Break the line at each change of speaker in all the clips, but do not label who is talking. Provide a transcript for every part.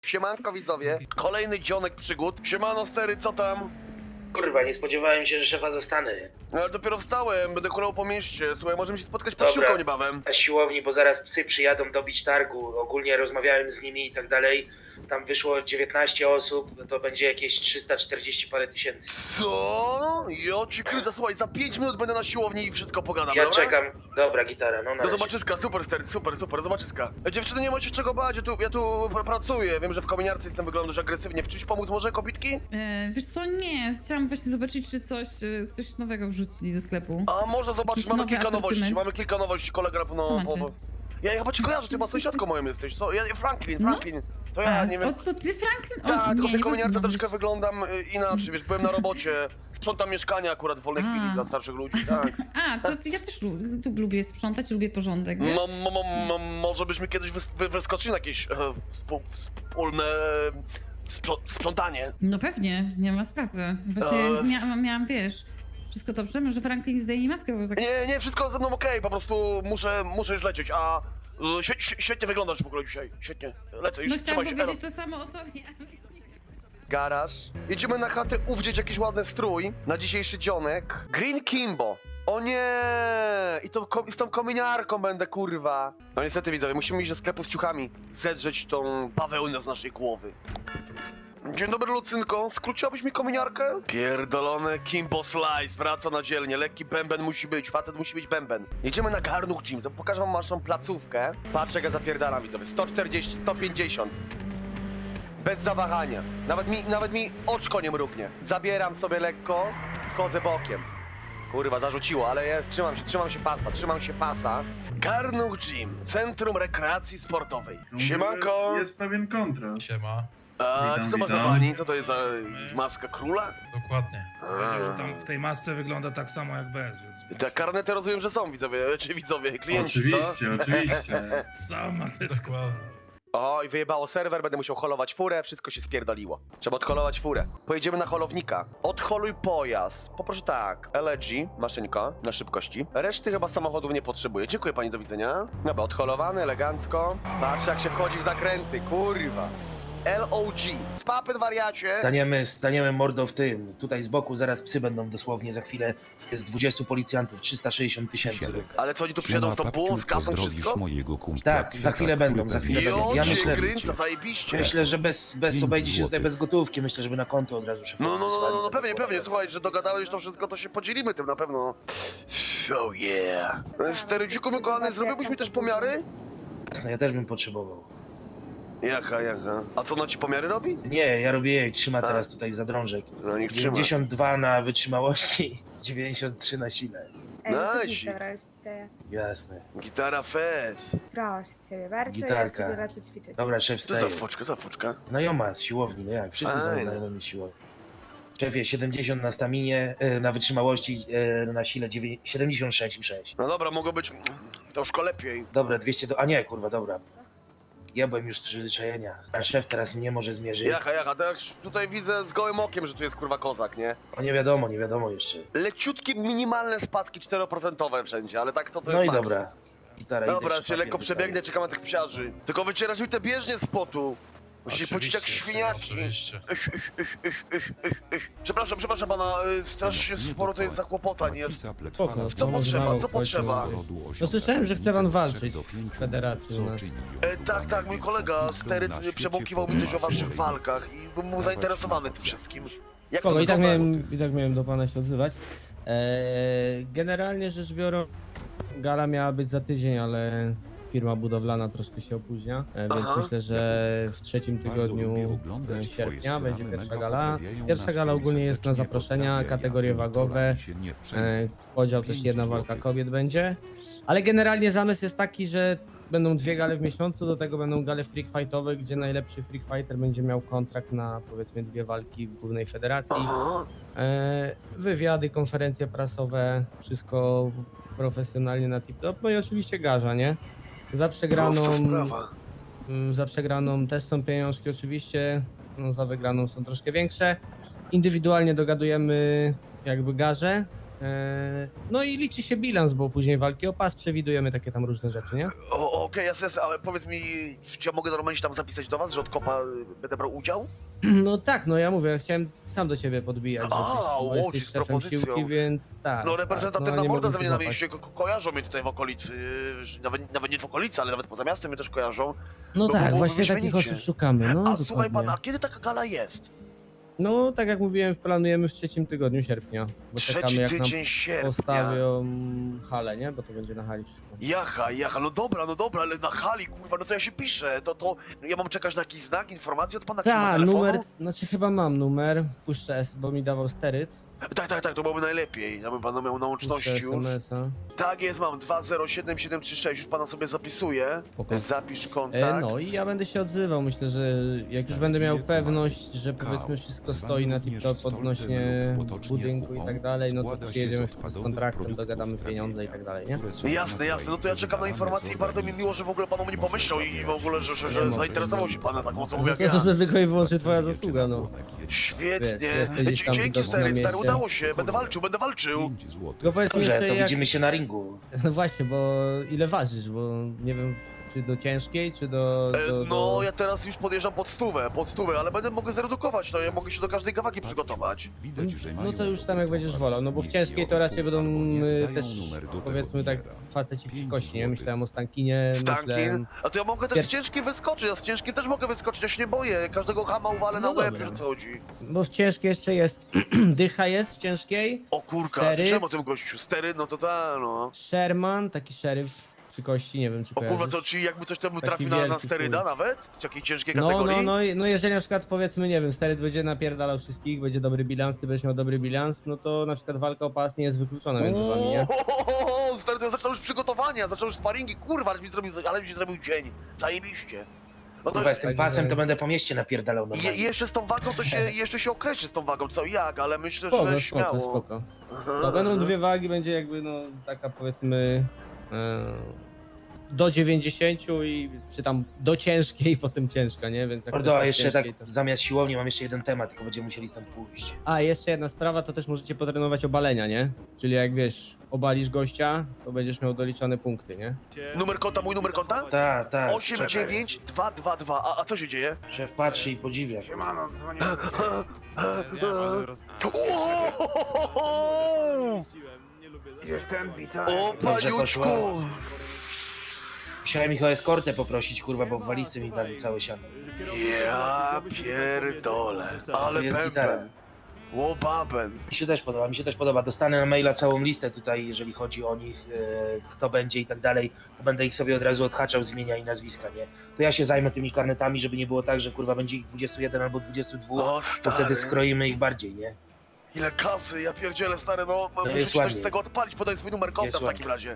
Siemanko widzowie, kolejny dzionek przygód. Siemano stery, co tam?
Kurwa, nie spodziewałem się, że szefa zostanę.
No ale dopiero wstałem, będę kulał po mieście. Słuchaj, możemy się spotkać pod siłką niebawem.
Na siłowni, bo zaraz psy przyjadą dobić targu. Ogólnie rozmawiałem z nimi i tak dalej. Tam wyszło 19 osób, to będzie jakieś 340 parę tysięcy.
Co? Jo ci kryza, słuchaj, za 5 minut będę na siłowni i wszystko pogadam,
Ja
dobra?
czekam. Dobra, gitara, no na
Do
razie.
zobaczyska, super stery, super, zobaczyska. Dziewczyny, nie macie czego bać, ja tu pracuję. Wiem, że w kominiarce jestem, wyglądasz agresywnie. W czymś pomóc może, kobitki?
Wiesz co, nie. Chciałam właśnie zobaczyć, czy coś nowego wrzucili do sklepu.
A może zobaczyć,
Jakiś
mamy
nowy
kilka nowości, kolega
Co
no,
macie?
Ja chyba cię kojarzę, ty ma sąsiadką moją jesteś, co? Ja Franklin, to ja, nie wiem.
O, to ty Franklin?
Tak, tylko w tej
nie
kominiarce
rozumiem.
troszkę wyglądam inaczej, wiesz, byłem na robocie, sprzątam mieszkania akurat w wolnej chwili dla starszych ludzi, tak.
To ja też lubię sprzątać, lubię porządek, wiesz?
Może byśmy kiedyś wyskoczyli na jakieś wspólne sprzątanie.
No pewnie, nie ma sprawy. Właśnie miałam, wiesz, wszystko dobrze? Może Franklin zdejmie maskę, bo tak...
Nie, wszystko ze mną okej, po prostu muszę już lecieć, a świetnie wyglądasz w ogóle dzisiaj, świetnie, lecę już,
No chciałam
trzymaj się,
powiedzieć to samo o tobie, ale...
Garaż. Jedziemy na chatę uwdzieć jakiś ładny strój na dzisiejszy dzionek. Green Kimbo. O nie! I to z tą kominiarką będę, kurwa. No niestety widzowie, musimy iść do sklepu z ciuchami. Zedrzeć tą bawełnę z naszej głowy. Dzień dobry, Lucynko. Skróciłabyś mi kominiarkę? Pierdolone Kimbo Slice wraca na dzielnie. Lekki bęben musi być, facet musi być bęben. Jedziemy na Garnuch Gym. Pokażę wam naszą placówkę. Patrz jak ja zapierdalam, widzowie. 140, 150. Bez zawahania. Nawet mi oczko nie mrugnie. Zabieram sobie lekko, wchodzę bokiem. Kurwa, zarzuciło, ale trzymam się pasa. Garnuch Gym, Centrum Rekreacji Sportowej. Siemanko!
Jest pewien kontrast.
Siema,
A
Witam,
co masz na
witam.
pani? Co to jest za maska króla?
dokładnie.
Powiedział, że tam w tej masce wygląda tak samo jak bez, więc...
Te karnety rozumiem, że są widzowie, klienci, co?
Oczywiście. Sama teczka.
Dokładnie.
O, i wyjebało serwer, będę musiał holować furę, wszystko się spierdoliło. Trzeba odholować furę. Pojedziemy na holownika. Odholuj pojazd. Poproszę tak. LG, maszynka, na szybkości. Reszty chyba samochodów nie potrzebuję. Dziękuję pani, do widzenia. Dobra, odholowany, elegancko. Patrz jak się wchodzi w zakręty, kurwa. LOG. Spapy, wariacie.
Staniemy mordo w tym. Tutaj z boku zaraz psy będą dosłownie za chwilę. Jest 20 policjantów, 360 tysięcy.
Ale co, oni tu przyjadą z tą bułą, z kasą, wszystko?
mojego kumpla
Tak, za chwilę będą, za chwilę będą.
Jo,
Ja
cię
myślę,
grynca, zajebiście.
myślę, że bez obejdzie się tutaj bez gotówki. Myślę, żeby na konto od razu szybko
No, pewnie, słuchaj, że dogadałeś już to wszystko, to się podzielimy tym na pewno. Oh yeah. Sterydziku, mój kochany, zrobiłbyś mi też pomiary?
Jasne, ja też bym potrzebował.
Jaka? A co, ona ci pomiary robi?
Nie, ja robię jej, trzyma teraz tutaj za drążek.
No niech trzyma.
92 na wytrzymałości, 93 na sile.
Nice.
Dobra, już ci daję.
Jasne.
Gitara fest.
Proszę ciebie bardzo,
Gitarka.
ja sobie lecę ćwiczyć.
Dobra, szef
Co za
wstaje.
foczka?
Znajoma z siłowni, no jak? Wszyscy są
Fajne.
znajomi z siłowni. Szefie, 70 na staminie, na wytrzymałości, na sile 76,6.
No dobra, mogło być troszkę lepiej.
Dobra, 200 do... A nie, kurwa, dobra. Ja byłem już z przyzwyczajenia. A szef teraz mnie może zmierzy.
Jaka, teraz tutaj widzę z gołym okiem, że tu jest kurwa kozak, nie?
O, nie wiadomo jeszcze.
Leciutkie, minimalne spadki 4% wszędzie, ale tak to
No
jest
i
maks.
dobra. Gitara, idę,
Dobra,
czy
się lekko
papier
przebiegnę,
dostaję.
czekam na tych psiarzy. Tylko wycierasz mi te bieżnie z potu. Musisz pocić jak świniaki.
Oczywiście.
Przepraszam pana, strasznie sporo to jest zakłopotań jest.
Spoko,
Co potrzeba, co potrzeba?
No
słyszałem, że chce pan walczyć w federacji u nas.
Tak, mój kolega Steryt przebąkiwał mi coś o waszych walkach i był zainteresowany tym wszystkim. Jak to
Spoko,
wygląda?
i tak miałem do pana się odzywać. Generalnie rzecz biorąc, gala miała być za tydzień, ale firma budowlana troszkę się opóźnia, więc
Aha.
myślę, że w trzecim tygodniu sierpnia będzie pierwsza gala. Pierwsza gala ogólnie jest na zaproszenia, kategorie wagowe, podział też jedna walka kobiet będzie, ale generalnie zamysł jest taki, że będą dwie gale w miesiącu, do tego będą gale freak fightowe, gdzie najlepszy freak fighter będzie miał kontrakt na powiedzmy dwie walki w głównej federacji.
Aha.
Wywiady, konferencje prasowe, wszystko profesjonalnie na tip-top, no i oczywiście garza, nie?
Prosta sprawa.
Za przegraną też są pieniążki oczywiście, no za wygraną są troszkę większe. Indywidualnie dogadujemy jakby garze, No i liczy się bilans, bo później walki o pas przewidujemy takie tam różne rzeczy, nie?
Okej, jasne, ale powiedz mi, czy ja mogę normalnie się tam zapisać do was, że od kopa będę brał udział?
No tak, no ja mówię, ja chciałem sam do ciebie podbijać,
A,
bo
łodzić
jesteś
z
szefem
propozycją.
siłki, więc tak.
No
tak,
reprezentatywna
nie
morda
mogłem
ze mnie
się
na
złapać.
mieście, kojarzą mnie tutaj w okolicy, nawet nie w okolicy, ale nawet poza miastem mnie też kojarzą.
No
bo
tak,
byłoby
właśnie takich
wyśmienicie.
osób szukamy, no
A słuchaj
dokładnie.
pan, a kiedy taka gala jest?
No tak jak mówiłem, planujemy w 3. tygodniu sierpnia, bo czekamy
Trzeci
jak nam
tydzień sierpnia.
postawią halę, nie? Bo to będzie na hali wszystko.
Jacha, no dobra, ale na hali, kurwa, no to ja się piszę, to ja mam czekać na jakiś znak, informację od pana, czy ma
Tak,
telefonu?
numer, znaczy chyba mam numer, puszczę, bo mi dawał steryt.
Tak, to byłoby najlepiej, aby pan miał na łączności
Puszczę
już.
SMS-a.
Tak jest, mam 207736, już pana sobie zapisuję.
Spoko.
Zapisz kontakt.
No i ja będę się odzywał, myślę, że jak już będę miał pewność, że powiedzmy wszystko stoi na tip-top odnośnie budynku i tak dalej, no to przyjedziemy z kontraktem, dogadamy pieniądze i tak dalej, nie?
Jasne, no to ja czekam na informacje i bardzo mi miło, że w ogóle pan o mnie pomyślał i w ogóle, że zainteresował się pana taką osobą jak
No
ja.
to tylko i wyłącznie twoja zasługa, no.
Świetnie.
Wiesz, jesteś tam
Dzięki
widoczny na
stary,
mieście.
udało się, będę walczył.
Tylko powiedz mi
Dobrze,
jeszcze
to
jak...
widzimy się na ringu.
No właśnie, bo ile ważysz, bo nie wiem, czy do ciężkiej, czy do...
No, ja teraz już podjeżdżam pod stówę, ale mogę zredukować, no ja mogę się do każdej kawaki przygotować.
No to już tam jak będziesz wolał, no bo w ciężkiej to raczej będą też, powiedzmy tak, faceci psikości, nie? Myślałem o Stankinie,
Stankin?
myślałem...
A to ja mogę też z ciężkim wyskoczyć, ja z ciężkim też mogę wyskoczyć, ja się nie boję, każdego chama uwalę
No
na łeb,
dobra.
że co chodzi.
Bo w ciężkiej jeszcze jest, dycha jest w ciężkiej,
O kurka,
Steryt?
słyszałem o tym gościu, stery, no to no.
Sherman, taki szeryf przy kości, nie wiem czy
O kurwa,
kojarzysz.
to czyli jakby coś temu
Taki
trafi na
wielki
steryda
chuj.
nawet? W takiej ciężkiej
No,
kategorii?
no jeżeli na przykład powiedzmy, nie wiem, steryt będzie napierdalał wszystkich, będzie dobry bilans, ty będziesz miał dobry bilans, no to na przykład walka o pas nie jest wykluczona między wami, nie?
Stary, to ja zacząłem już przygotowania, zacząłem już sparingi, kurwa, ale mi się zrobił dzień, zajebiście. No to
Kurwa, z tym
Także-
pasem to będę po mieście napierdalał
i
normalnie.
jeszcze z tą wagą to się, jeszcze się określi z tą wagą, co i jak, ale myślę,
Spoko,
że
spoko,
śmiało.
spoko. To będą dwie wagi, będzie jakby no taka powiedzmy do 90 i czy tam do ciężkiej, potem ciężka, nie? Więc jak
Mordo,
ktoś
a jeszcze tak
ciężkiej, to...
zamiast siłowni mam jeszcze jeden temat, tylko będziemy musieli stąd pójść.
A, jeszcze jedna sprawa, to też możecie potrenować obalenia, nie? Czyli jak wiesz, obalisz gościa, to będziesz miał doliczone punkty, nie?
Mój numer konta?
Tak, tak.
89222, a co się dzieje?
Szef patrzy i podziwia.
O,
Dobrze
paniuczku!
poszło. Musiałem ich o eskortę poprosić, kurwa, bo w walizce mi dali całe siano.
Ja pierdolę, ale
To jest gitara.
pępen. Łobaben.
Mi się też podoba. Dostanę na maila całą listę tutaj, jeżeli chodzi o nich, kto będzie i tak dalej, to będę ich sobie od razu odhaczał z imienia i nazwiska, nie? To ja się zajmę tymi karnetami, żeby nie było tak, że kurwa będzie ich 21 albo 22,
O,
to
stary.
wtedy skroimy ich bardziej, nie?
Ile kasy, ja pierdzielę, stary, no muszę
jest
ci coś
ładnie.
z tego odpalić, podaj swój numer konta
Jest
w takim
ładnie.
razie.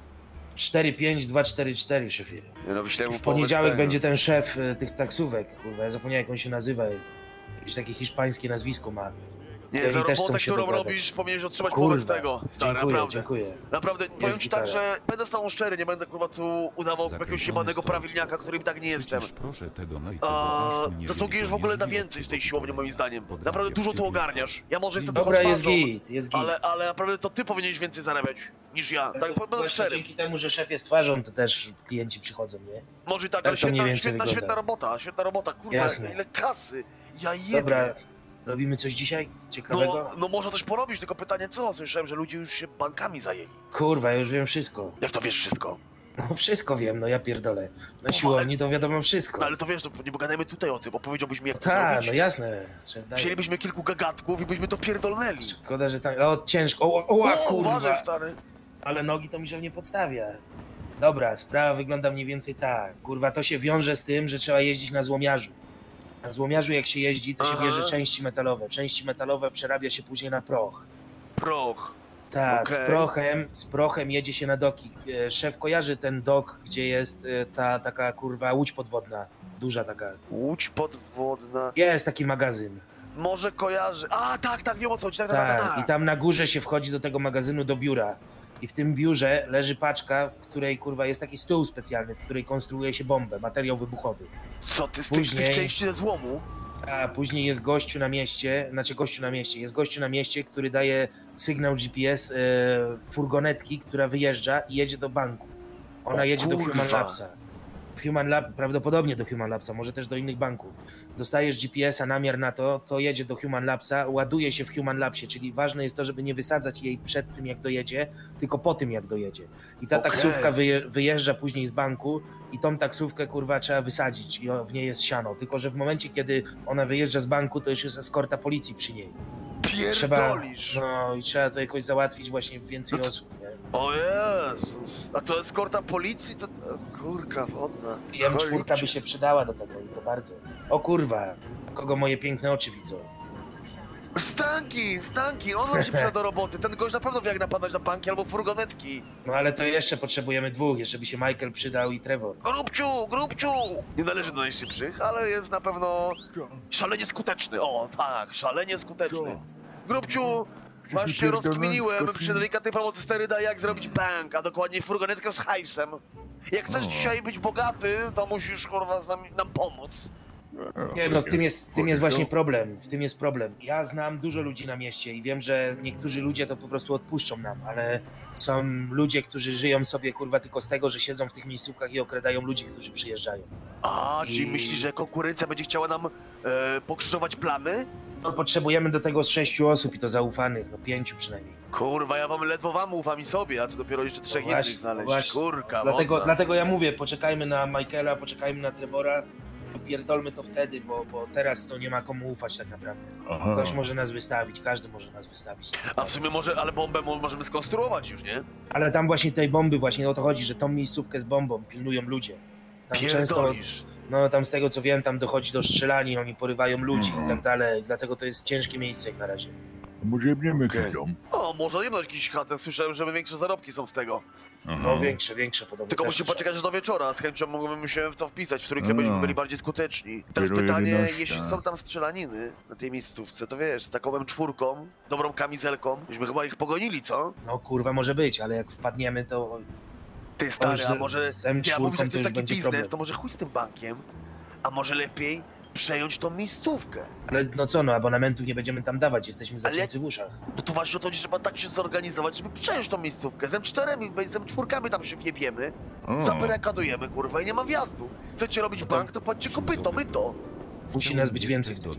45244, szefie.
Nie no, wyślę mu
W poniedziałek będzie ten szef tych taksówek, kurwa, ja zapomniałem jak on się nazywa. Jakieś takie hiszpańskie nazwisko ma.
Nie,
oni
za
też chcą
robotę,
się
którą
dogadać.
robisz, powinieneś otrzymać
Kurwa,
połowę z tego, stary, naprawdę.
dziękuję.
Naprawdę, powiem ci
gitara.
tak, że będę z tobą szczery, nie będę kurwa tu udawał jakiegoś jebanego prawilniaka, którym tak nie jestem. Zasługujesz w ogóle na więcej z tej siłowni, moim zdaniem. Naprawdę dużo tu ogarniasz. Ja może jestem
Dobra,
trochę
jest
szpazą,
git, jest git.
ale naprawdę to ty powinieneś więcej zarabiać niż ja. Tak, będę
Właśnie
szczery.
dzięki temu, że szef jest twarzą, to też klienci przychodzą, nie?
Może i tak,
Tak
ale
to mniej więcej
świetna
wygląda.
robota, kurwa,
Jasne.
ile kasy. Ja jebie.
Dobra, robimy coś dzisiaj ciekawego?
No można coś porobić, tylko pytanie co? Słyszałem, że ludzie już się bankami zajęli.
Kurwa, ja już wiem wszystko.
Jak to wiesz wszystko?
No wszystko wiem, no ja pierdolę. Na siłowni to wiadomo wszystko.
No ale to wiesz, to nie pogadajmy tutaj o tym, bo powiedziałbyś mi jak to
Tak,
zrobić.
no jasne. Szef daje.
Wzięlibyśmy kilku gagatków i byśmy to pierdolnęli.
Szkoda, że tam... O, ciężko. O,
Uważaj,
kurwa.
stary.
Ale nogi to mi się nie podstawia. Dobra, sprawa wygląda mniej więcej tak. Kurwa, to się wiąże z tym, że trzeba jeździć na złomiarzu. Na złomiarzu jak się jeździ, to się
Aha.
bierze części metalowe. Części metalowe przerabia się później na proch.
Proch.
Tak,
Okej.
z prochem jedzie się na doki. Szef kojarzy ten dok, gdzie jest ta taka kurwa łódź podwodna. Duża taka.
Łódź podwodna.
Jest taki magazyn.
Może kojarzy. A, tak, wiem o co chodzi. Tak.
Tak, i tam na górze się wchodzi do tego magazynu, do biura. I w tym biurze leży paczka, w której kurwa jest taki stół specjalny, w której konstruuje się bombę, materiał wybuchowy.
Co ty z
Później-
tych części ze złomu?
A później jest gościu na mieście, jest gościu na mieście, który daje sygnał GPS furgonetki, która wyjeżdża i jedzie do banku. Ona
O
jedzie do
kurwa.
Human Labsa. Prawdopodobnie do Human Labsa, może też do innych banków. Dostajesz GPS-a, namiar na to jedzie do Human Labsa, ładuje się w Human Labsie, czyli ważne jest to, żeby nie wysadzać jej przed tym, jak dojedzie, tylko po tym, jak dojedzie. I ta
Okej.
taksówka wyjeżdża później z banku i tą taksówkę, kurwa, trzeba wysadzić i w niej jest siano. Tylko że w momencie, kiedy ona wyjeżdża z banku, to już jest eskorta policji przy niej.
Pierdolisz!
No i trzeba to jakoś załatwić właśnie więcej osób, nie?
O Jezus! A to eskorta policji? To kurka wodna.
I M4 by
Cholipcie.
się przydała do tego i to bardzo. O kurwa, kogo moje piękne oczy widzą.
Stanki! On nam się przyda do roboty. Ten gość na pewno wie jak napadać na banki albo furgonetki.
No ale to jeszcze potrzebujemy dwóch, jeszcze by się Michael przydał i Trevor.
Grubciu! Nie należy do najszybszych, ale jest na pewno szalenie skuteczny. O, tak, szalenie skuteczny. Grubciu, masz się rozkminiłem przy delikatnej pomocy steryda, jak zrobić bank, a dokładnie furgonetkę z hajsem. Jak chcesz dzisiaj być bogaty, to musisz, kurwa, nam pomóc.
Nie no, w tym jest właśnie problem, w tym jest problem. Ja znam dużo ludzi na mieście i wiem, że niektórzy ludzie to po prostu odpuszczą nam, ale są ludzie, którzy żyją sobie, kurwa, tylko z tego, że siedzą w tych miejscówkach i okradają ludzi, którzy przyjeżdżają.
A, czyli myślisz, że konkurencja będzie chciała nam pokrzyżować plany?
No, potrzebujemy do tego z 6 osób i to zaufanych, no 5 przynajmniej.
Kurwa, ja ledwo wam ufam i sobie, a co dopiero jeszcze 3
No właśnie,
innych znaleźć.
właśnie.
Kurka,
Dlatego ja mówię, poczekajmy na Michaela, poczekajmy na Trevora, pierdolmy to wtedy, bo teraz to nie ma komu ufać tak naprawdę. Ktoś może nas wystawić, każdy może nas wystawić.
A w sumie może, ale bombę możemy skonstruować już, nie?
Ale tam właśnie tej bomby, właśnie o to chodzi, że tą miejscówkę z bombą pilnują ludzie. Tam często,
Pierdolisz.
no tam z tego co wiem, tam dochodzi do strzelanin, oni porywają ludzi i tak dalej, dlatego to jest ciężkie miejsce jak na razie.
Może jebniemy
Okej.
jakiś dom?
O, może nie jakiś chatę, słyszałem, że większe zarobki są z tego.
No większe podobno.
Tylko
też
musimy
słyszałem.
poczekać aż do wieczora, z chęcią mógłbym się w to wpisać, w trójkę
No.
byśmy byli bardziej skuteczni. Teraz
Dopiero
pytanie,
11.
jeśli są tam strzelaniny na tej miejscówce, to wiesz, z taką M4, dobrą kamizelką, byśmy chyba ich pogonili, co?
No kurwa może być, ale jak wpadniemy to...
Ty stary,
już
a może,
z M4
ja mówię, że
to
to jest
już
taki
będzie
biznes,
problem.
to może chuj z tym bankiem, a może lepiej przejąć tą miejscówkę.
Ale no co, no abonamentów nie będziemy tam dawać, jesteśmy zacięci w uszach.
No to właśnie o to chodzi, trzeba tak się zorganizować, żeby przejąć tą miejscówkę. Z M4, z M4 tam się wjebiemy, zabarykadujemy, kurwa, i nie ma wjazdu. Chcecie robić bank, to płaccie kopyto, my to.
Musi nas być więcej w tym.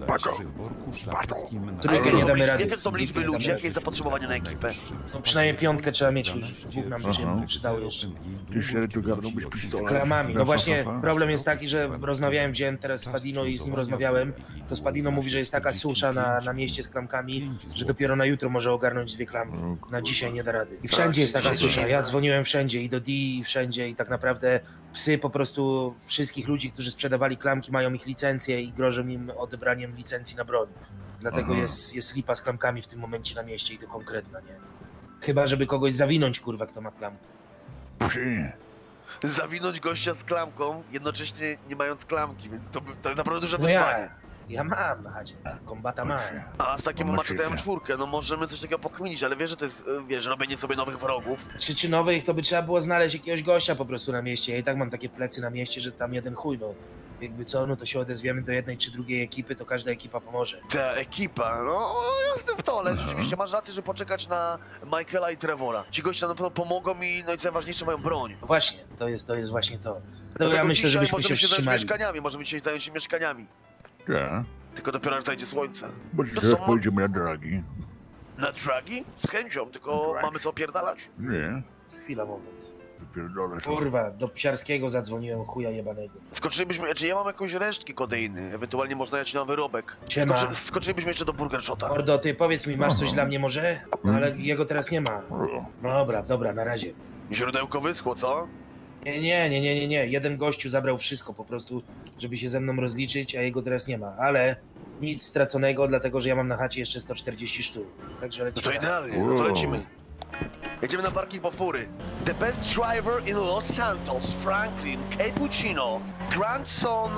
Trójkę
nie damy rady.
Jakie są liczby
Nie
ludzi,
damy
jakie jest zapotrzebowanie na ekipę?
No przynajmniej 5 trzeba mieć ludzi. Dwóch nam się przydało jeszcze.
Ty się tu garnąłbyś
Z
pistolet.
klamami. No właśnie, problem jest taki, że rozmawiałem, wziąłem teraz Spadino i z nim rozmawiałem. To Spadino mówi, że jest taka susza na mieście z klamkami, że dopiero na jutro może ogarnąć 2 klamki. Na dzisiaj nie da rady. I wszędzie jest taka susza. Ja dzwoniłem wszędzie i do D, i wszędzie i tak naprawdę psy po prostu wszystkich ludzi, którzy sprzedawali klamki, mają ich licencje i grożą im odebraniem licencji na broń. Dlatego jest lipa z klamkami w tym momencie na mieście i to konkretna, nie? Chyba, żeby kogoś zawinąć, kurwa, kto ma klamkę.
Przy.
Zawinąć gościa z klamką, jednocześnie nie mając klamki, więc to naprawdę duże
No
wyzwanie.
ja mam na chacie. Kombata mam.
A z takim
Mam
maczetem
szyfrę.
M4, no możemy coś takiego pokminić, ale wiesz, że to jest, wiesz, robienie sobie nowych wrogów.
Czy nowych, to by trzeba było znaleźć jakiegoś gościa po prostu na mieście. Ja i tak mam takie plecy na mieście, że tam jeden chuj, no. Jakby co, no to się odezwiemy do jednej czy drugiej ekipy, to każda ekipa pomoże.
Ta ekipa, no jestem w to, ale rzeczywiście masz rację, że poczekać na Michaela i Trevora. Ci goście na pewno pomogą mi, no i co najważniejsze, mają broń.
No właśnie, to jest właśnie to. Dlatego
Dlatego
ja myślę,
dzisiaj
żebyśmy
możemy się zająć
wstrzymali.
mieszkaniami, możemy dzisiaj zająć się mieszkaniami.
Tak.
Tylko dopiero aż zajdzie słońce.
Bo
To
teraz
co,
pojedziemy na dragi.
Na dragi? Z chęcią, tylko
Tak.
mamy co opierdalać?
Nie.
Chwila, moment.
Wypierdolę sobie.
Kurwa, do Psiarskiego zadzwoniłem, chuja jebanego.
Skoczylibyśmy, czy ja mam jakąś resztki kodeiny, ewentualnie można jechać na wyrobek.
Siema.
Skoczylibyśmy jeszcze do Burger Shota.
Mordo, ty powiedz mi, masz coś dla mnie może? No ale jego teraz nie ma. No dobra, na razie.
Źródełko wyschło, co?
Nie. Jeden gościu zabrał wszystko po prostu, żeby się ze mną rozliczyć, a jego teraz nie ma. Ale nic straconego, dlatego że ja mam na chacie jeszcze 140 sztuk. Także
No to
lecimy.
idealnie, no to lecimy. Jedziemy na parking po fury. The best driver in Los Santos, Franklin, Cappuccino, Grandson,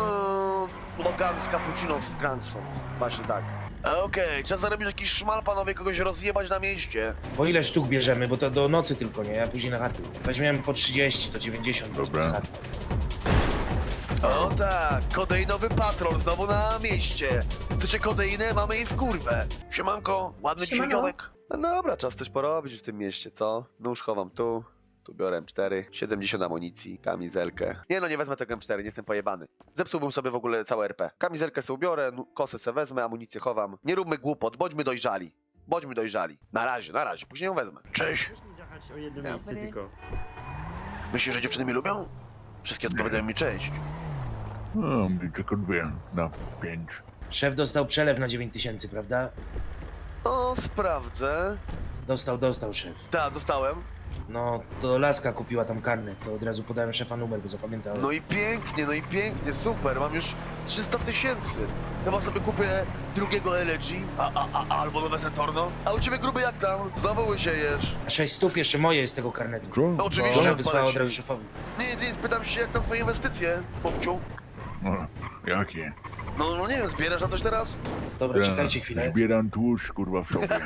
Logan z Cappuccino z Grandson. Właśnie tak. Okej, czas zarobić jakiś szmal, panowie, kogoś rozjebać na mieście.
Po ile sztuk bierzemy, bo to do nocy tylko, nie? Ja później na chaty. Weźmiemy po 30, to 90
Dobra.
z chaty.
O tak, kodeinowy patrol znowu na mieście. Chcecie kodeinę? Mamy jej w kurwę. Siemanko, ładny
Siemano.
dzisiaj dzionek. No dobra, czas coś porobić w tym mieście, co? Nóż chowam tu. Tu biorę M4, 70 amunicji, kamizelkę. Nie no, nie wezmę tego M4, nie jestem pojebany. Zepsułbym sobie w ogóle całe RP. Kamizelkę sobie ubiorę, kosę se wezmę, amunicję chowam. Nie róbmy głupot, bądźmy dojrzali. Bądźmy dojrzali. Na razie, później ją wezmę. Cześć!
O jedno miejsce
Dobry.
tylko.
Myślisz, że dziewczyny mnie lubią? Wszystkie odpowiadają mi cześć.
No, mi tylko 2 na 5.
Szef dostał przelew na 9000, prawda?
O, sprawdzę.
Dostał szef.
Tak, dostałem.
No, to Laska kupiła tam karnet, to od razu podałem szefa numer, bo zapamiętałem.
No i pięknie, super, mam już 300 000. Chyba sobie kupię drugiego LG, albo nowe Saturno. A u ciebie gruby jak tam? Znowu łysiejesz.
600 jeszcze moje jest z tego karnetu.
Co?
No, oczywiście,
Że
że
wysłała od
odpalę
razu
się.
szefowi.
Nic, pytam się jak tam twoje inwestycje, popciu.
No, jakie?
No nie wiem, zbierasz na coś teraz?
Dobra, czekajcie chwilę.
Zbieram tłuszcz, kurwa, w sobie.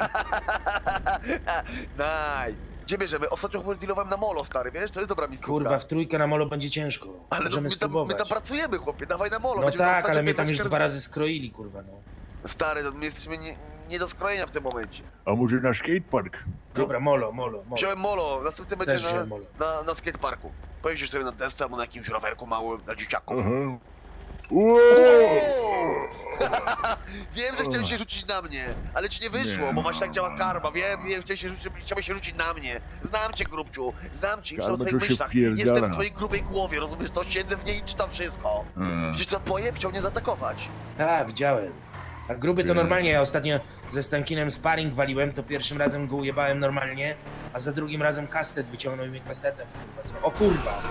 Nice. Gdzie bierzemy? Ostatnio dealowałem na molo, stary, wiesz? To jest dobra miejscówka.
Kurwa, w trójkę na molo będzie ciężko.
Ale no,
Możemy
my
spróbować.
tam pracujemy, chłopie, dawaj na molo.
No
będziemy
tak,
dostać
ale mnie tam
15
już 2 razy skroili, kurwa, no.
Stary, no, my jesteśmy nie do skrojenia w tym momencie.
A może na skatepark?
Dobra, molo.
Wziąłem molo, następny będzie
Też wziąłem molo.
na skateparku. Pojeździsz sobie na desce albo na jakimś rowerku małym dla dzieciaków.
Aha.
Wiem, że chciałeś się rzucić na mnie, ale ci nie wyszło,
Nie.
bo właśnie tak działa karma. Wiem, chciałeś się rzucić na mnie. Znam cię, grubciu, znam cię,
Karma
w twoich
to się
myślach.
wpierdala.
Jestem w twojej grubej głowie, rozumiesz to? Siedzę w niej i czytam wszystko. Widzisz co, pojeb chciał mnie zaatakować.
Tak, widziałem. A gruby to normalnie, ja ostatnio ze Stankinem sparring waliłem, to pierwszym razem go ujebałem normalnie, a za drugim razem kastet wyciągnął i mnie kastetem, kurwa. O kurwa!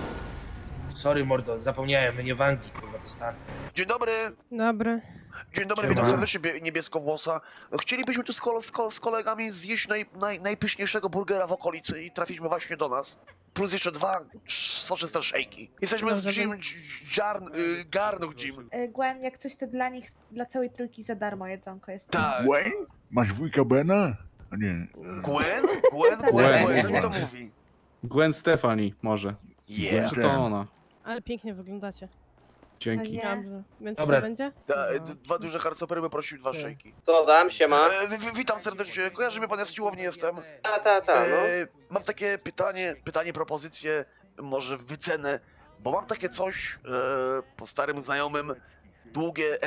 Sorry mordo, zapomniałem, my nie wangi, kurwa, dostanę.
Dzień dobry.
Dobry.
Dzień dobry,
Siema.
witam serdecznie, niebieskowłosa. Chcielibyśmy tu z kolegami zjeść najpyszniejszego burgera w okolicy i trafiliśmy właśnie do nas. Plus jeszcze 2 soczyste szejki. Jesteśmy z
Dobrze,
Jim Garnuch Jim.
Gwen, jak coś to dla nich, dla całej trójki za darmo jedzonko jest.
Tak.
Wayne? Masz wujka Bena? A nie.
Gwen? Co mi to mówi?
Gwen Stefani może.
Yeah.
Czy to ona?
Ale pięknie wyglądacie.
Dzięki.
Nie.
Dobrze. Więc
Dobra.
co będzie?
Dwa duże hardstopery bym prosił 2 szejki.
Co dam, siema?
Witam serdecznie, kojarzy mnie pan, ja z siłowni jestem.
Ta,
Mam takie pytanie, propozycję, może wycenę, bo mam takie coś po starym znajomym, długie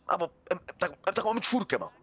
taką M4 mam.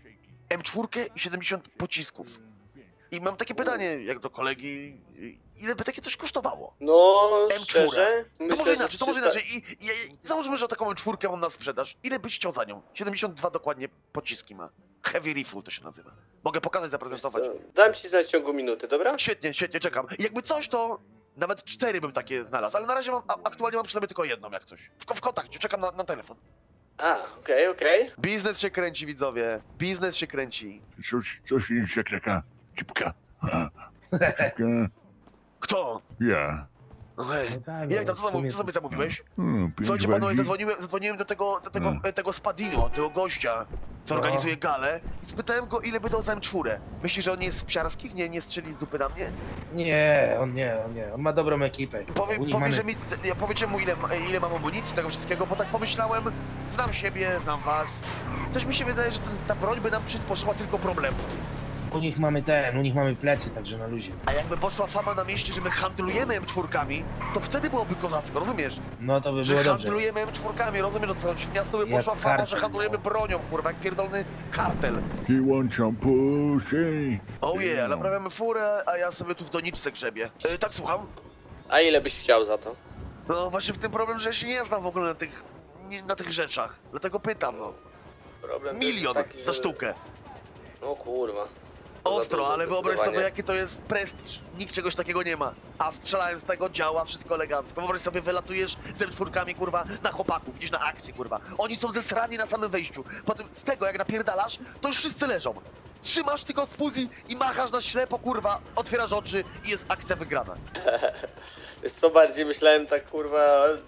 M4 i 70 pocisków. I mam takie pytanie, jak do kolegi, ile by takie coś kosztowało?
No,
M4. To może inaczej. I załóżmy, że taką M4 mam na sprzedaż. Ile byś chciał za nią? 72 dokładnie pociski ma. Heavy Rifle to się nazywa. Mogę pokazać, zaprezentować.
Dam ci znać w ciągu minuty, dobra?
Świetnie, czekam. Jakby coś, to nawet 4 bym takie znalazł, ale na razie aktualnie mam przy sobie tylko jedną, jak coś. W kontakcie, czekam na telefon.
A, okej.
Biznes się kręci, widzowie. Biznes się kręci.
Coś jest jak taka cipka. Cipka.
Kto?
Ja.
Hej.
No tak,
Jak tam,
w sumie
co sobie zamówiłeś?
5
Słuchajcie panowie,
wagi.
zadzwoniłem do tego Spadino, tego gościa, co
No.
organizuje galę i spytałem go, ile by dał za M4. Myślisz, że on jest z psiarskich? Nie strzeli z dupy na mnie?
Nie, on ma dobrą ekipę.
Powiecie mu, ile mam amunicji, tego wszystkiego, bo tak pomyślałem, znam siebie, znam was. Coś mi się wydaje, że ta broń by nam przysporzyła tylko problemów.
U nich mamy plecy, także na luzie.
A jakby poszła fama na mieście, że my handlujemy M4, to wtedy byłoby kozacko, rozumiesz?
No to by
Że
było dobrze.
handlujemy M4, rozumiesz, o co chodzi? W miasto by
Jak
poszła fama,
kartel,
że handlujemy
no.
bronią, kurwa, jak pierdolny kartel.
He want some pussy.
Oh yeah, naprawiamy furę, a ja sobie tu w doniczce grzebię. Tak, słucham?
A ile byś chciał za to?
No właśnie w tym problem, że ja się nie znam w ogóle na tych rzeczach. Dlatego pytam, no.
Problem
Milion za sztukę.
O kurwa.
Ostro, ale wyobraź sobie, jaki to jest prestiż. Nikt czegoś takiego nie ma. A strzelałem z tego, działa, wszystko elegancko. Wyobraź sobie, wylatujesz z M4, kurwa, na chłopaków, widzisz na akcji, kurwa. Oni są zesrani na samym wejściu. Potem z tego, jak napierdalasz, to już wszyscy leżą. Trzymasz tylko spuzji i machasz na ślepo, kurwa, otwierasz oczy i jest akcja wygrana.
Wiesz co, bardziej myślałem tak kurwa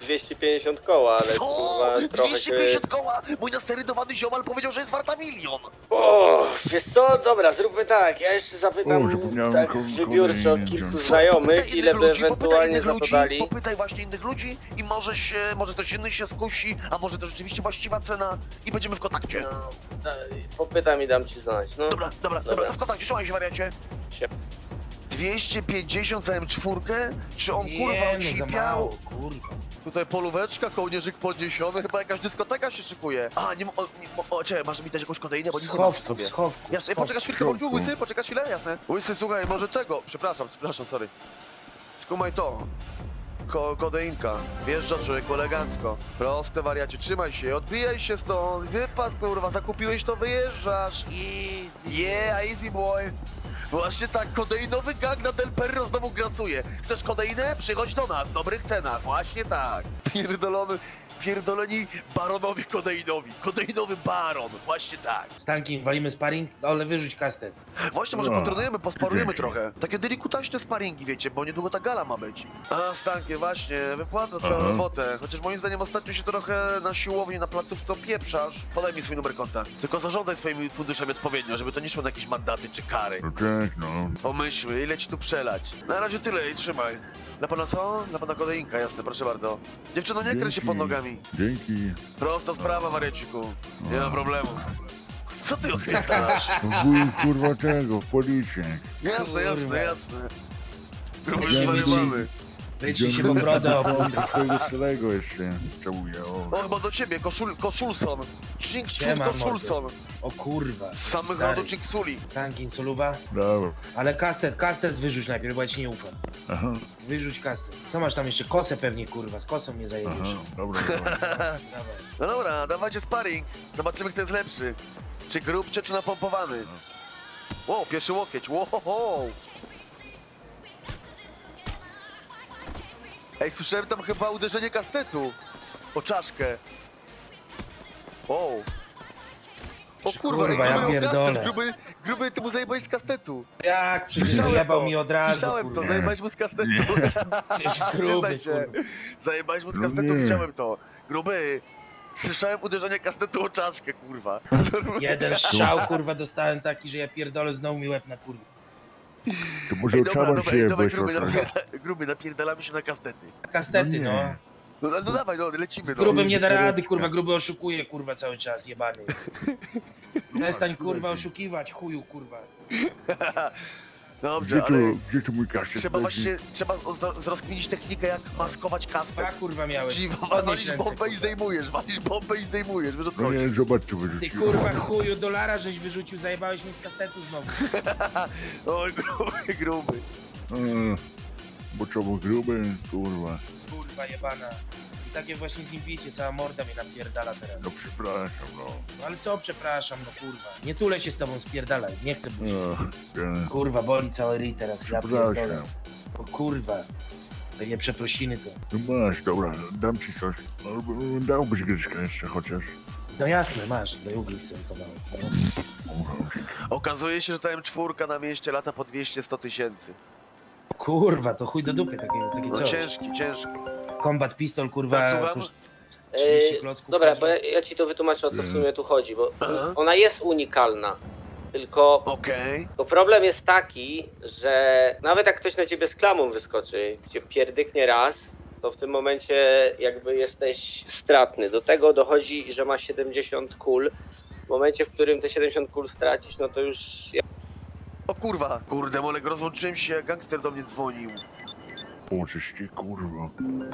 250 koła, ale
Co?
kurwa trochę
250
się...
koła? Mój nasterydowany ziomal powiedział, że jest warta 1 000 000.
O, wiesz co, dobra, zróbmy tak, ja jeszcze zapytam
O, zapomniałem
tak wybiórczo
kolejny
kilku
wziąć.
znajomych, ile by ewentualnie za to
ludzi,
dali.
popytaj właśnie innych ludzi i może ktoś inny się skusi, a może to rzeczywiście właściwa cena i będziemy w kontakcie.
No, popytam i dam ci znać, no.
Dobra, to w kontakcie, trzymaj się wariacie.
Sie-
250 za M4? Czy on kurwa
Nie, no za
ocipiał?
mało, kurwa.
Tutaj polóweczka, kołnierzyk podniesiony, chyba jakaś dyskoteka się szykuje. A, nie, czekaj, masz mi dać jakąś kodeinę, bo nic nie mam przy
Schowku,
sobie.
schowku.
Jasne, poczekasz chwilkę,
schowku.
bądź łysy, poczekasz chwilę, jasne. Łysy, słuchaj, może tego, przepraszam, sorry. Skumaj to. Kodeinka. Wjeżdża człowieku elegancko. Proste wariacie, trzymaj się, odbijaj się stąd, wypad kurwa, zakupiłeś to, wyjeżdżasz. Yeah, easy boy. Właśnie tak, kodeinowy gang na Del Perro znowu grasuje. Chcesz kodeinę? Przychodź do nas, w dobrych cenach, właśnie tak. Pierdoleni baronowi kodeinowi. Kodeinowy baron, właśnie tak.
Stankin, walimy sparring? No, ale wyrzuć kastet.
Właśnie, może
No,
potrenujemy, posparujemy
dzięki.
trochę. Takie delikutaśne sparingi, wiecie, bo niedługo ta gala ma być. A, Stankie, właśnie, wypłata twoją
Aha.
robotę. Chociaż moim zdaniem ostatnio się trochę na siłowni, na placówce opieprzasz. Podaj mi swój numer konta. Tylko zarządzaj swoimi funduszami odpowiednio, żeby to nie szło na jakieś mandaty czy kary.
No cześć, no.
Pomyślmy, ile ci tu przelać. Na razie tyle i trzymaj. Dla pana co? Dla pana kodeinka, jasne, proszę bardzo. Dziewczyno, nie kręć się
Dzięki.
pod nogami.
Dzięki.
Prosta sprawa, Marieciku. Nie ma problemu. Co ty odpierdalasz?
Wuj, kurwa tego, policję.
Jasne. Gruby
Ja
zwariowany.
Wyjrzyj się po brodę, o
Do twojego starego jeszcze całuję, o.
O, chyba do ciebie, Koszulson.
Siema,
Koszulson.
O kurwa.
Z samych
Stary.
rodu Chinksuli.
Stankin, soluwa.
Dobra.
Ale kastet wyrzuć najpierw, bo ja ci nie ufam.
Aha,
Wyrzuć kastet. Co masz tam jeszcze? Kosę pewnie, kurwa, z kosą mnie
aha,
zajebiesz.
dobra.
Dawaj.
No dobra, dawajcie sparring. Zobaczymy, kto jest lepszy. Czy grubczy, czy napompowany. Wow, pierwszy łokieć. Wow. Ej, słyszałem tam chyba uderzenie kastetu. O czaszkę. Wow. O kurwa,
Kurwa, ja
gruby miał
pierdolę.
kastet. Gruby, ty mu zajebałeś z kastetu.
Jak? Przecież
Słyszałem
jebał
to.
mi od razu,
Słyszałem to,
kurwa.
zajebałeś mu z kastetu.
Przecież
Przyznaj
gruby,
się.
kurwa.
Zajebałeś mu z
No
kastetu,
nie.
widziałem to. Gruby. Słyszałem uderzenie kastetu o czaszkę, kurwa.
Jeden strzał, kurwa, dostałem taki, że ja pierdolę, znowu mi łeb na kurwa.
To może
Ej, dobra,
otrzymać się,
dawaj,
weź
gruby, napierdalamy się na kastety.
Kastety,
No nie.
no.
No dawaj, no, lecimy,
Z
no.
grubym nie da rady,
Koreczka.
kurwa, gruby oszukuje, kurwa, cały czas, jebany. Przestań, kurwa, oszukiwać, chuju, kurwa.
Dobrze, ale
Gdzie tu mój kastet?
trzeba właśnie, zrozkminić technikę, jak maskować
Dwa,
kastet.
kurwa, miałeś.
Czyli
Podnieś
walisz
ręce,
bombę i
kurwa.
zdejmujesz, wiesz o co
No
chodzi?
nie, zobacz co
Ty,
wyrzuciłem.
kurwa, chuju, dolara żeś wyrzucił, zajebałeś mi z kastetu znowu.
Oj, gruby.
Bo co, bo gruby, kurwa.
Kurwa, jebana. I takie właśnie z nim wiecie, cała morda mnie napierdala teraz.
No przepraszam, no.
No ale co, przepraszam, no kurwa. Nie tulę się z tobą, spierdalaj, nie chcę być.
Ja,
Kurwa, boli cały ryj teraz, ja pierdolę.
przepraszam.
O kurwa. Takie przeprosiny to.
No masz, dobra, dam ci coś. Albo dałbyś gryzkę jeszcze chociaż.
No jasne, masz, do ugryź sobie kawałek.
Okazuje się, że ta M4 na mieście lata po 200-100 tysięcy.
Kurwa, to chuj do dupy, takie
No
coś.
ciężki.
Combat pistol, kurwa,
Tak, słucham?
koszt 30 klocków.
Dobra,
chodzi.
bo ja ci to wytłumaczę, o co w sumie tu chodzi, bo
Aha.
ona jest unikalna, tylko
Okej.
to problem jest taki, że nawet jak ktoś na ciebie z klamą wyskoczy, cię pierdyknie raz, to w tym momencie jakby jesteś stratny. Do tego dochodzi, że masz 70 kul. W momencie, w którym te 70 kul stracisz, no to już...
O kurwa. Kurde, Molek, rozłączyłem się, gangster do mnie dzwonił.
O, coś ci, kurwa.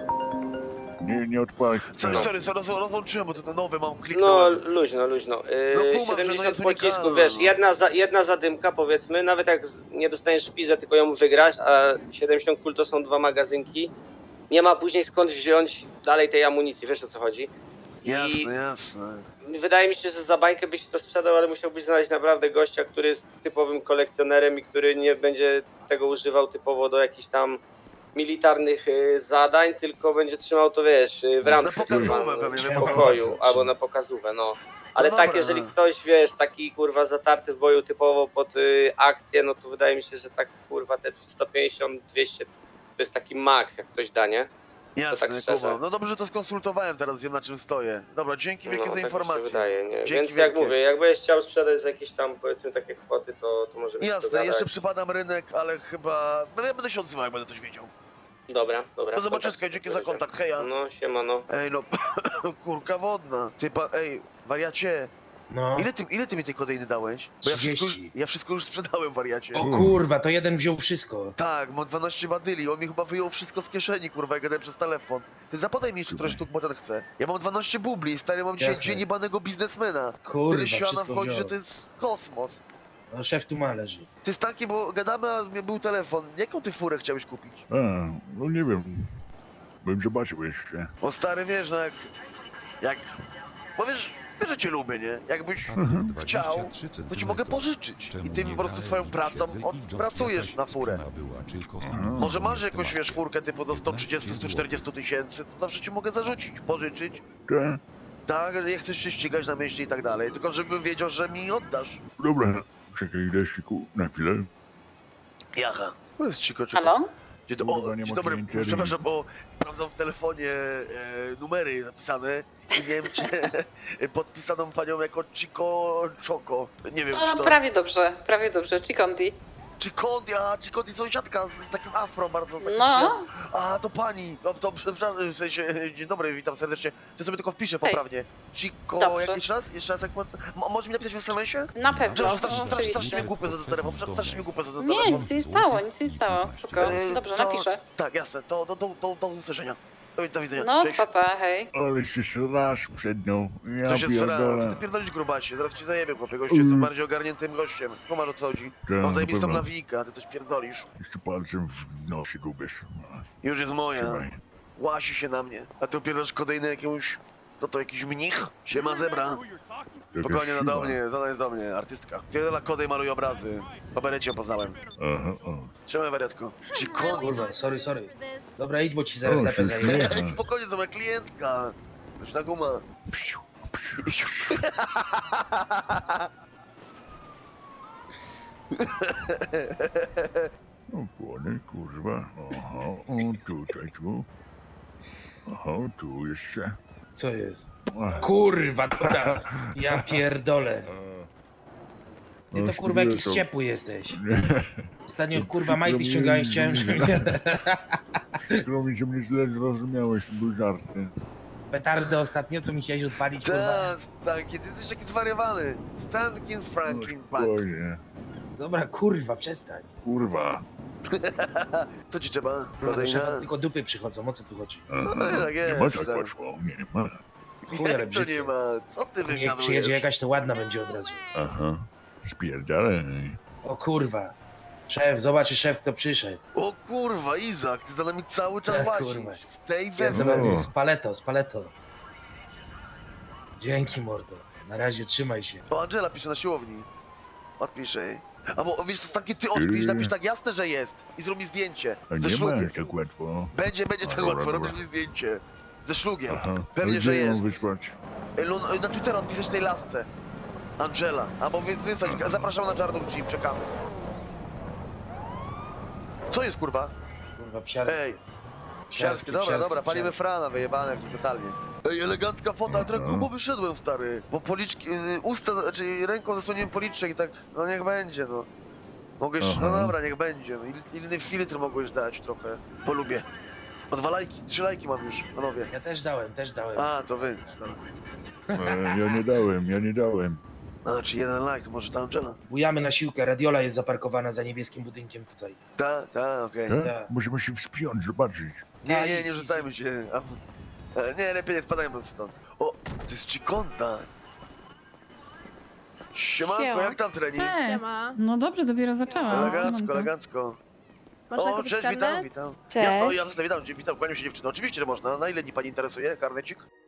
Nie odpalaj.
Sorry, rozłączyłem, bo to nowe mam,
No
kliknąłem.
luźno.
No kumam, że no
70
jest
pocisków,
unikalna,
wiesz,
no.
jedna zadymka powiedzmy, nawet jak nie dostaniesz szpizę, tylko ją wygrasz, a 70 kul to są 2 magazynki, nie ma później skąd wziąć dalej tej amunicji, wiesz o co chodzi?
Jasne.
Wydaje mi się, że za bańkę byś to sprzedał, ale musiałbyś znaleźć naprawdę gościa, który jest typowym kolekcjonerem i który nie będzie tego używał typowo do jakichś tam militarnych zadań, tylko będzie trzymał to, wiesz, w ramce
Na pokazówę
kurwa,
pewnie,
w
wiem,
pokoju,
o co chodzi.
albo na pokazówę, no. Ale
No
tak,
dobra.
jeżeli ktoś, wiesz, taki kurwa zatarty w boju typowo pod akcję, no to wydaje mi się, że tak kurwa te 150, 200 to jest taki maks, jak ktoś da, nie?
Jasne,
tak szczerze.
Kuba. No dobrze, że to skonsultowałem, teraz wiem na czym stoję. Dobra, dzięki wielkie za
tak mi się
informację.
wydaje, nie?
Dzięki
Więc jak
wielkie.
mówię, jakbyś chciał sprzedać za jakieś tam powiedzmy takie kwoty, to możemy się
Jasne,
dogadać.
jeszcze przypadam rynek, ale chyba... Ja będę się odzywał, jak będę coś wiedział.
Dobra.
Do zobaczyska, dzięki za kontakt, heja.
No, siemano.
Ej, no, kurka wodna. Ej, wariacie,
No.
ile ty mi tej kodeiny dałeś? Bo
30.
ja wszystko już sprzedałem, wariacie.
O kurwa, to jeden wziął wszystko.
Tak, mam 12 badyli, on mi chyba wyjął wszystko z kieszeni, kurwa, jak gadałem przez telefon. Ty zapodaj mi jeszcze trochę sztuk, bo ten chce. Ja mam 12 bubli, stary, mam dzisiaj
Jasne.
dzień jebanego biznesmena.
Kurwa,
Tyle siana
wszystko
wchodzi,
wziął.
że to jest kosmos.
No szef tu ma leży.
Ty Stanki, bo gadamy, a był telefon. Jaką ty furę chciałeś kupić?
No nie wiem. Bym zobaczył jeszcze.
O stary, wiesz, no jak... Bo wiesz, że cię lubię, nie? Jakbyś chciał, to ci mogę pożyczyć. I ty mi po prostu swoją pracą odpracujesz na furę. Może masz jakąś, wiesz, furkę typu do 130-140 tysięcy, to zawsze ci mogę zarzucić, pożyczyć.
Tak?
Tak, nie chcesz się ścigać na mieście i tak dalej, tylko żebym wiedział, że mi oddasz.
Dobra, czekaj, Lesiku, na chwilę.
Jaha. To jest cicho.
Halo?
Dzień
Kurwa, nie ma
dobry,
klienterii.
przepraszam, bo sprawdzam w telefonie numery zapisane i nie wiem, czy podpisaną panią jako Chico Choco. Nie wiem, czy to...
Prawie dobrze, Chikondi.
Chicondi sąsiadka z takim afro bardzo takim
No.
A, to pani, no to przepraszam, w sensie, dzień dobry, witam serdecznie. To sobie tylko wpiszę poprawnie. Chico,
Dobrze.
jeszcze raz, jak... Możesz mi napisać w SMS-ie?
Na pewno.
Przepraszam, strasznie
oczywiście.
mi głupio za ten telefon, strasznie mi głupio za ten
Nie,
telefon.
nic nie stało, spoko. Dobrze,
to-
napiszę.
Tak, jasne, do usłyszenia. Do widzenia,
No,
cześć.
papa, hej.
Ale się srasz przed nią. Ja
Co się sra?
pierdolę.
Co ty pierdolisz, grubasie? Zaraz ci zajebię, chłopie, gościu, jestem bardziej ogarniętym gościem. Kumarz, o co chodzi?
Tak,
Mam
na
zajebistą
pewno.
nawijkę, a ty coś pierdolisz.
Jeszcze palcem w nosie gubisz.
Już jest moja.
Trzymaj.
Łasi się na mnie. A ty opierasz kodejny jakiemuś... To jakiś mnich? Siema zebra. Spokojnie, no do mnie, zona jest do mnie, artystka. Pierdolę kodej maluje obrazy. Po berecie ją poznałem.
Aha,
Trzymaj, wariatko. Chico.
Kurwa, sorry. Dobra, idź, bo ci zaraz lepę
się
zajmę.
Ej, spokojnie, to moja klientka. Już na guma.
Psiu, O płony, kurwa. Aha, o tutaj, tu. Aha, tu jeszcze.
Co jest?
Ach,
Kurwa, dobra. Ja pierdolę. Ty to
no,
kurwa jakiś
to-
ciepły jesteś.
Nie,
Ostatnio kurwa majty ściągałeś, chciałem, żeby
przykro mi, że mnie źle zrozumiałeś, to były żarty.
petardę ostatnio, co mi chciałeś odpalić, kurwa.
Tak, Stanki, ty jesteś taki zwariowany. Stankin Franklin Punk.
Spokojnie.
Dobra, kurwa, przestań.
Kurwa.
Co ci trzeba?
Kurwa, do
Kodejna?
szefa tylko dupy przychodzą, o co tu chodzi?
Aha,
No, tak
nie
jest,
ma tak
tak.
łatwo, nie ma.
Chuj, ale
Jak to
brzydkie.
nie ma? Co ty
Jak
wygadujesz?
przyjedzie jakaś, to ładna będzie od razu.
Aha, spierdalaj.
O kurwa. Szef, zobaczy szef, kto przyszedł.
O kurwa, Izak, ty za nami cały czas
Tak,
łazisz.
kurwa.
W tej
Pierdolę,
wewnątrz.
z paleto. Dzięki, mordo. Na razie, trzymaj się.
O, Angela pisze na siłowni. Odpisz jej. Albo wiesz co, taki ty odpisz, napisz tak jasne, że jest. I zrób mi zdjęcie.
A
Ze
nie
szlugiem.
ma tak łatwo.
Będzie tak
Dobra,
łatwo,
dobra.
robisz mi zdjęcie. Ze szlugiem.
Aha,
Pewnie,
no
że
gdzie ją
jest.
wysłać?
Na Twittera odpisać tej lasce. Angela. Albo wysłać, zapraszam na czarną Jeep, czekamy. Co jest kurwa?
Kurwa, psiarskie.
Ej, Siarskie, dobra, palimy frana, wyjebane w nim totalnie. Ej, elegancka fota, ale trochę
Aha.
grubo wyszedłem, stary. Bo policzki, usta, znaczy ręką zasłoniłem policzek i tak, no niech będzie, no. Mogłeś, no
Aha.
dobra, niech będzie. No, inny filtr mogłeś dać trochę, polubię. O 2 lajki, 3 lajki mam już, panowie.
Ja też dałem.
A, to wy.
Ja nie dałem.
A, czy 1 like, to może ta Angela?
Bujamy na siłkę, radiola jest zaparkowana za niebieskim budynkiem tutaj.
Okej.
Tak?
Tak.
Możemy się wspiąć, zobaczyć.
Nie rzucajmy się. Nie, lepiej nie spadajmy stąd. O, to jest Chikonta. Siemanko,
Siema.
jak tam trening?
Siema.
No dobrze, dopiero zaczęłam.
Elegancko,
No,
elegancko.
Można
O,
kupić
cześć,
karnet?
witam.
Cześć.
Jasno, jasne, witam, kłaniam się dziewczyno. Oczywiście, że można. Na ile dni pani interesuje, karnecik?